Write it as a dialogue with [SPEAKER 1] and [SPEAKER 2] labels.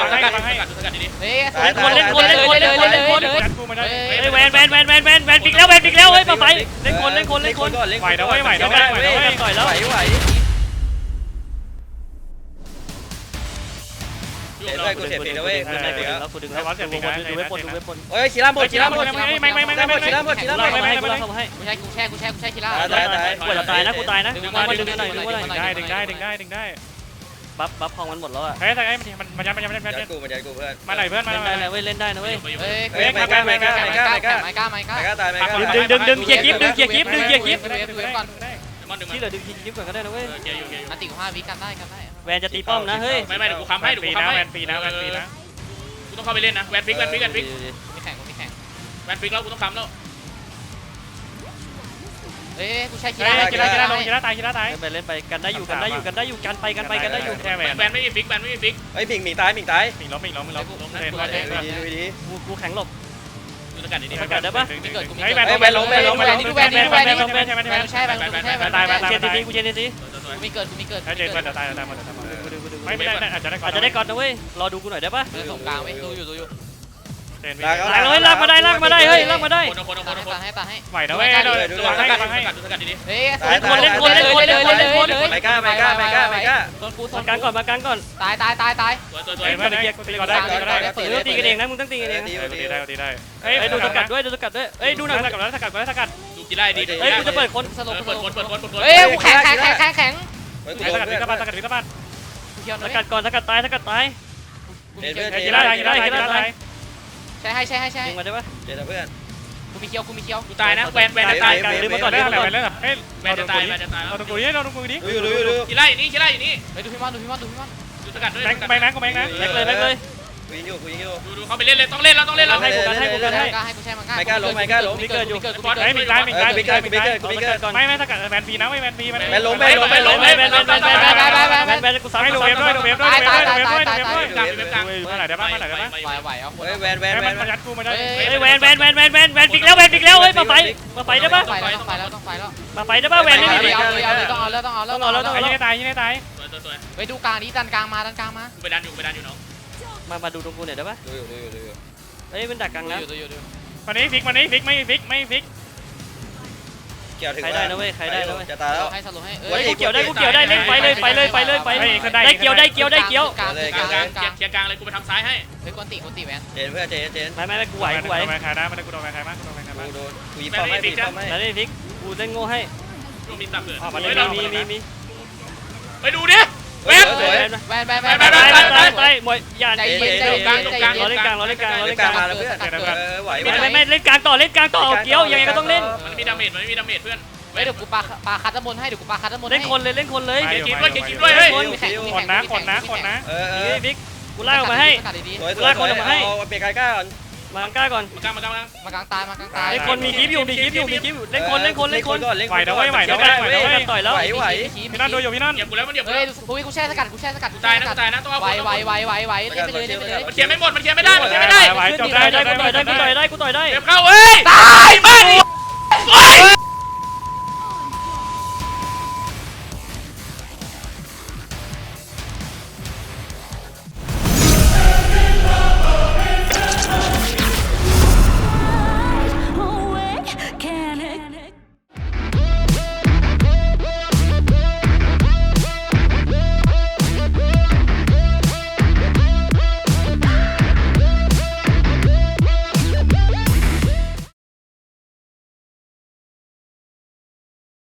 [SPEAKER 1] เฮ้ย
[SPEAKER 2] เล่นคนเล่นคนเล่นคนเล่นคนเล่นคน
[SPEAKER 3] กูมาได้
[SPEAKER 2] เฮ้ยแวนปิกแล้วเฮ้ยมาไฟเล่นคน
[SPEAKER 3] ไหวนะเว้ยไหวนะเว้ยไหวนะเว้ย
[SPEAKER 2] ต่อยแล้ว
[SPEAKER 4] ไหวด้วยกูเสียปีนะเว้ย
[SPEAKER 2] กูดึงแล้วดูเว็บบน
[SPEAKER 4] เฮ้ยชีล่าหมดชีล่าหมด
[SPEAKER 3] ไม่
[SPEAKER 4] ชีล่าหมดชีล่าหมด
[SPEAKER 2] กูให้
[SPEAKER 1] กูแช่คีร่า
[SPEAKER 2] กูจะตายนะกูตายนะดึงมาดึงหน่อย
[SPEAKER 3] ดึงได้
[SPEAKER 2] บัฟพองมันหมดแล้วอ่ะ
[SPEAKER 3] เฮ้ยแต่ไอ้มันยัด
[SPEAKER 4] มันยัดกูเพื่อน
[SPEAKER 3] มาหน่อยเพื่อนมา
[SPEAKER 2] เล่นได้นะเว้ยเล่นได้นะเว้ย
[SPEAKER 1] เฮ้ย
[SPEAKER 4] ไม่กล้า
[SPEAKER 1] ไม่กล้า
[SPEAKER 4] ตาย
[SPEAKER 2] ดึงเกียร์กิฟ
[SPEAKER 1] ก่อน
[SPEAKER 2] ที่เหลือดึงกิฟก่อนก็ได้นะเว้ย
[SPEAKER 1] อันติ5วิกันได้
[SPEAKER 2] แวนจะตีป้อมนะเฮ้ย
[SPEAKER 5] ไม่เดี๋ยวกูค้ำให้
[SPEAKER 3] ปีนะแวนปีนะ
[SPEAKER 5] กูต้องเข้าไปเล่นนะแวนฟิก
[SPEAKER 1] มีแข่ง
[SPEAKER 5] แวนฟิกแล้วกูต้องค้ำแล้ว
[SPEAKER 1] เฮ้ยกูแช่คี
[SPEAKER 3] เฮ้
[SPEAKER 1] ร่าย
[SPEAKER 3] กีฬาตาย
[SPEAKER 2] เล่นไปกันได้อยู่กันได้อยู่กันได้อยู่
[SPEAKER 3] แค่แวน
[SPEAKER 5] แวนไม่มีฟิก
[SPEAKER 4] เฮ้ยผิงตาย
[SPEAKER 3] มิงล้มเล่น
[SPEAKER 4] ดูดี
[SPEAKER 2] กูแข็งหลบ
[SPEAKER 5] ดูสกัดดี
[SPEAKER 3] เฮ้ยแวน
[SPEAKER 1] แช่
[SPEAKER 2] เชนทีกูเชนที
[SPEAKER 1] กูมีเกิด
[SPEAKER 3] ถ้าเจอก็จะตายหมดไม่ได้อาจจะได้ก่อน
[SPEAKER 2] อาจจะได้ก่อนนะเว้ยรอดูกูหน่อยได้ปะ
[SPEAKER 1] ส่งกลางไว้ดูอยู่
[SPEAKER 2] ลากมาได้เฮ้ยลากมาได้
[SPEAKER 1] ตาให้
[SPEAKER 3] ไหวนะเว้ยดูสกัดดี
[SPEAKER 1] เฮ้ย
[SPEAKER 2] เล่นคน
[SPEAKER 4] ไม่กล้า
[SPEAKER 1] โดนกู
[SPEAKER 2] มากลางก่อน
[SPEAKER 1] ตาย
[SPEAKER 5] ตัว
[SPEAKER 3] เฮ้ยไม่ได้ก็ได้
[SPEAKER 2] ตีกันเองนะมึงต้องตีกันเอง
[SPEAKER 3] ดีได้
[SPEAKER 2] เฮ้ยดูสกัดด้วยเฮ้ยดูหน่อย
[SPEAKER 3] สกัด
[SPEAKER 5] ดูกีฬาดี
[SPEAKER 2] เฮ้ยกูจะเปิดคน
[SPEAKER 1] สลบ
[SPEAKER 5] เปิด
[SPEAKER 1] เฮ้ยกูแข็ง
[SPEAKER 3] สกัดวิกบ้าน
[SPEAKER 1] กูเคียว
[SPEAKER 2] ส
[SPEAKER 1] นะ
[SPEAKER 2] กัดก่อนสกัดตาย
[SPEAKER 3] กีฬาตาย
[SPEAKER 1] ใช่ให้
[SPEAKER 2] ยิงมาได้ปะ
[SPEAKER 4] เจอเพื่อน
[SPEAKER 1] กูมีเคียว
[SPEAKER 5] กูตายนะแวนจะตาย
[SPEAKER 2] ลืมมาก่อน
[SPEAKER 3] ได้อะไรแล้วเฮ้ย
[SPEAKER 5] แวนจะตาย
[SPEAKER 3] เราตรงกูนี่เราตรงกูนี่
[SPEAKER 4] ดู
[SPEAKER 5] กีฬาอยู่นี่
[SPEAKER 1] เฮ้ยดูพี่มอน
[SPEAKER 5] ดูสกัดด้วย
[SPEAKER 3] แบงค์นะกูแบงค์นะ
[SPEAKER 2] แม็กเลย
[SPEAKER 4] กูยิงอยู่
[SPEAKER 5] ดูเขาไปเล่นเลยต้องเล่นแล้ว
[SPEAKER 2] ให้กูให้
[SPEAKER 1] กูแช่มัน
[SPEAKER 2] มีเกิดอยู่
[SPEAKER 3] ไม่สกัดแวนปีนะไม่แวนปีมัน
[SPEAKER 2] แบนกูซ้ำ
[SPEAKER 3] ให้ดูเวฟด้วยดูเวฟด้วยดูเวฟด้วยดูเวฟด้วยมาไหนได้บ้างมาไหนได้บ้าง
[SPEAKER 1] ไหวเอาคน
[SPEAKER 4] แวน
[SPEAKER 3] มันยัดกูมาได้
[SPEAKER 2] เฮ้ยแวนปิกแล้วเฮ้ยมาไฟได้ปะ
[SPEAKER 1] ต้องไปแล้ว
[SPEAKER 2] มาไฟได้ปะแวนไม่มี
[SPEAKER 1] ต้องเอาแล้ว
[SPEAKER 3] ยิงให้ตายยิงให้ตาย
[SPEAKER 5] สวย
[SPEAKER 1] ไปดูกลางนี้ดันกลางมา
[SPEAKER 5] กูไปดันอยู่น้อง
[SPEAKER 2] มาดูตรงกูหน่อยได้ปะ
[SPEAKER 4] ดู
[SPEAKER 2] เฮ้ยมันดักกลางแล้ว
[SPEAKER 3] วันนี้ฟิกไม่ฟิก
[SPEAKER 4] เกี่ยวถึง
[SPEAKER 2] ใครได้นะเว้ย
[SPEAKER 4] จะตายแล้ว
[SPEAKER 1] ให้สรุปให้
[SPEAKER 2] กูเกี่ยวได้เล่นไปเลยได้เกี่ยว
[SPEAKER 1] กลาง
[SPEAKER 5] เคลียร์กลางเลยกูไปทำซ้ายให้
[SPEAKER 1] เฮ้ยกวนติแวน
[SPEAKER 4] เจนเพื่อนเจน
[SPEAKER 2] ไม่กูไหว
[SPEAKER 3] แวนคานะมันกูโดนแวนคามากูโดนแวนคามา
[SPEAKER 4] กูโดนกูยิงป้อมให้
[SPEAKER 2] แล้วนี่พิกกูเล่นโง่ให้
[SPEAKER 5] ช่วงมีตับเกิด
[SPEAKER 2] มี
[SPEAKER 5] ไปดูดิเวฟ
[SPEAKER 2] ไปมวยอย่า
[SPEAKER 1] ใจเย็น
[SPEAKER 2] เราเล่นกลาง
[SPEAKER 4] มาแล้วเพื่อน ไหว
[SPEAKER 2] ไม่เล่นกลางต่อเอาเกี้ยวยังไงก็ต้องเล่น
[SPEAKER 5] มันไม่มีดาเมจเพื่อน
[SPEAKER 1] เฮ้ยเดี๋ยวกูปาคัตตะมนให้
[SPEAKER 2] เล่นคนเลย
[SPEAKER 5] เกียร์กินด้วยเฮ้ย
[SPEAKER 3] คนนะ
[SPEAKER 2] พิกกูไล่ออกมาให้
[SPEAKER 4] สวยเอาเปียกล้าก่อน
[SPEAKER 2] มากล้าก่อน
[SPEAKER 5] มากลาง
[SPEAKER 1] มากลางตาย
[SPEAKER 2] ไอ้คนมีคลิปอยู่เล่นคน
[SPEAKER 3] ไหวนะเว้ยไหวนะเว้ย
[SPEAKER 2] ต่อยแล้ว
[SPEAKER 4] ไหว
[SPEAKER 3] พี่นั่นดูอยู่พี่นั่น
[SPEAKER 5] เหยียบกูแล้วมันเหยียบ
[SPEAKER 1] เฮ้ยกูแช่สกัด
[SPEAKER 5] กูตายนะต้องเอา
[SPEAKER 1] ไวเล่นไปเลย
[SPEAKER 5] มันเคลียร์ไม่หมดมันเคลียร์ไม่ได้
[SPEAKER 3] ไหวจบได้
[SPEAKER 2] กูต่อยได้
[SPEAKER 5] เก็บเข้าเฮ้ยตายบ้าน